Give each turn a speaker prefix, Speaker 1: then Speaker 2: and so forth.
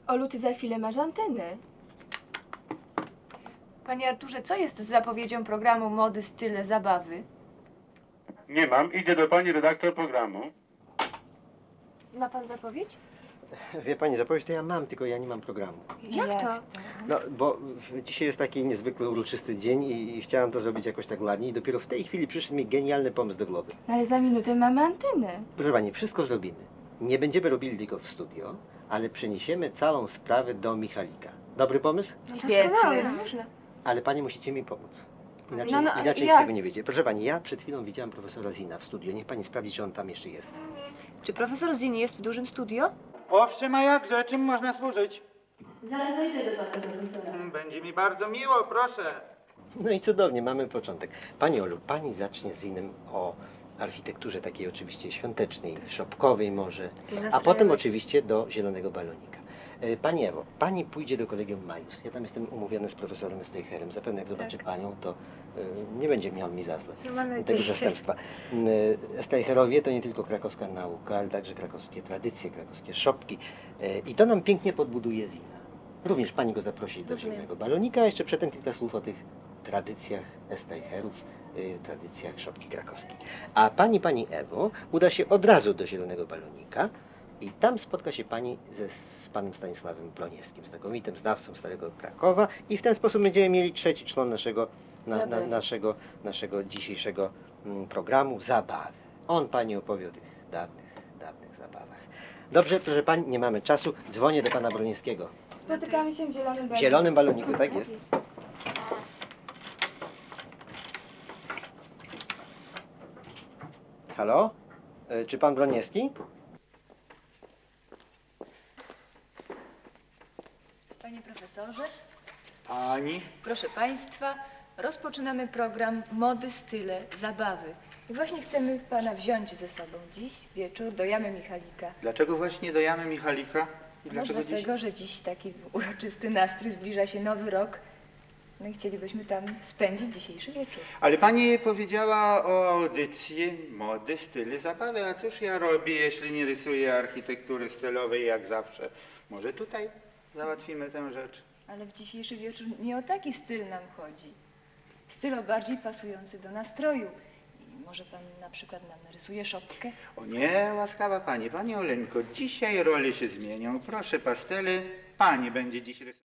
Speaker 1: Olu, ty za chwilę masz antenę.
Speaker 2: Panie Arturze, co jest z zapowiedzią programu Mody, Style, Zabawy?
Speaker 3: Nie mam, idę do pani redaktor programu.
Speaker 1: Ma pan zapowiedź?
Speaker 4: Wie pani, zapowiedź to ja mam, tylko ja nie mam programu.
Speaker 2: Jak to?
Speaker 4: No, bo dzisiaj jest taki niezwykle uroczysty dzień i chciałam to zrobić jakoś tak ładnie i dopiero w tej chwili przyszedł mi genialny pomysł do głowy.
Speaker 1: Ale za minutę mamy antenę.
Speaker 4: Proszę pani, wszystko zrobimy. Nie będziemy robili tylko w studio, ale przeniesiemy całą sprawę do Michalika. Dobry pomysł?
Speaker 2: No
Speaker 1: Świetnie.
Speaker 2: Można.
Speaker 4: Ale pani musicie mi pomóc. Inaczej,
Speaker 1: No,
Speaker 4: inaczej z
Speaker 1: jak?
Speaker 4: tego nie wyjdzie. Proszę pani, ja przed chwilą widziałam profesora Zina w studio. Niech pani sprawdzi, czy on tam jeszcze jest.
Speaker 2: Czy profesor Zin jest w dużym studio?
Speaker 5: Owszem, a jakże, czym można służyć?
Speaker 1: Zaraz dojdę do pana profesora.
Speaker 5: Będzie mi bardzo miło, proszę.
Speaker 4: No i cudownie, mamy początek. Pani Olu, pani zacznie z Zinem o architekturze takiej oczywiście świątecznej, szopkowej może, a potem oczywiście do zielonego balonika. Pani Ewo, pani pójdzie do kolegium Majus. Ja tam jestem umówiony z profesorem Steicherem. Zapewne jak zobaczy panią, to nie będzie miał mi za złe tego zastępstwa. Steicherowie to nie tylko krakowska nauka, ale także krakowskie tradycje, krakowskie szopki. I to nam pięknie podbuduje Zina. Również pani go zaprosi do zielonego balonika, a jeszcze przedtem kilka słów o tych tradycjach Steicherów, tradycjach szopki krakowskiej. A pani Ewo uda się od razu do zielonego balonika i tam spotka się pani z panem Stanisławem Ploniewskim, znakomitym znawcą Starego Krakowa i w ten sposób będziemy mieli trzeci człon naszego dzisiejszego programu Zabawy. On pani opowie o tych dawnych zabawach. Dobrze, proszę pani, nie mamy czasu, dzwonię do pana Broniewskiego.
Speaker 1: Spotykamy się w zielonym baloniku.
Speaker 4: W zielonym baloniku, tak jest. Halo? Czy pan Broniewski?
Speaker 2: Panie profesorze,
Speaker 5: Pani?
Speaker 2: proszę państwa, rozpoczynamy program Mody, Style, Zabawy. I właśnie chcemy pana wziąć ze sobą dziś wieczór do Jamy Michalika.
Speaker 5: Dlaczego właśnie do Jamy Michalika? I
Speaker 2: No
Speaker 5: dlaczego dziś?
Speaker 2: dlatego, że dziś taki uroczysty nastrój, zbliża się nowy rok. No i chcielibyśmy tam spędzić dzisiejszy wieczór.
Speaker 5: Ale pani powiedziała o audycji mody, styly, zabawy. A cóż ja robię, jeśli nie rysuję architektury stylowej jak zawsze? Może tutaj załatwimy tę rzecz?
Speaker 2: Ale w dzisiejszy wieczór nie o taki styl nam chodzi. Styl o bardziej pasujący do nastroju. I może pan na przykład nam narysuje szopkę?
Speaker 5: O nie, łaskawa pani, pani Oleńko, dzisiaj role się zmienią. Proszę pastele, pani będzie dziś rysować.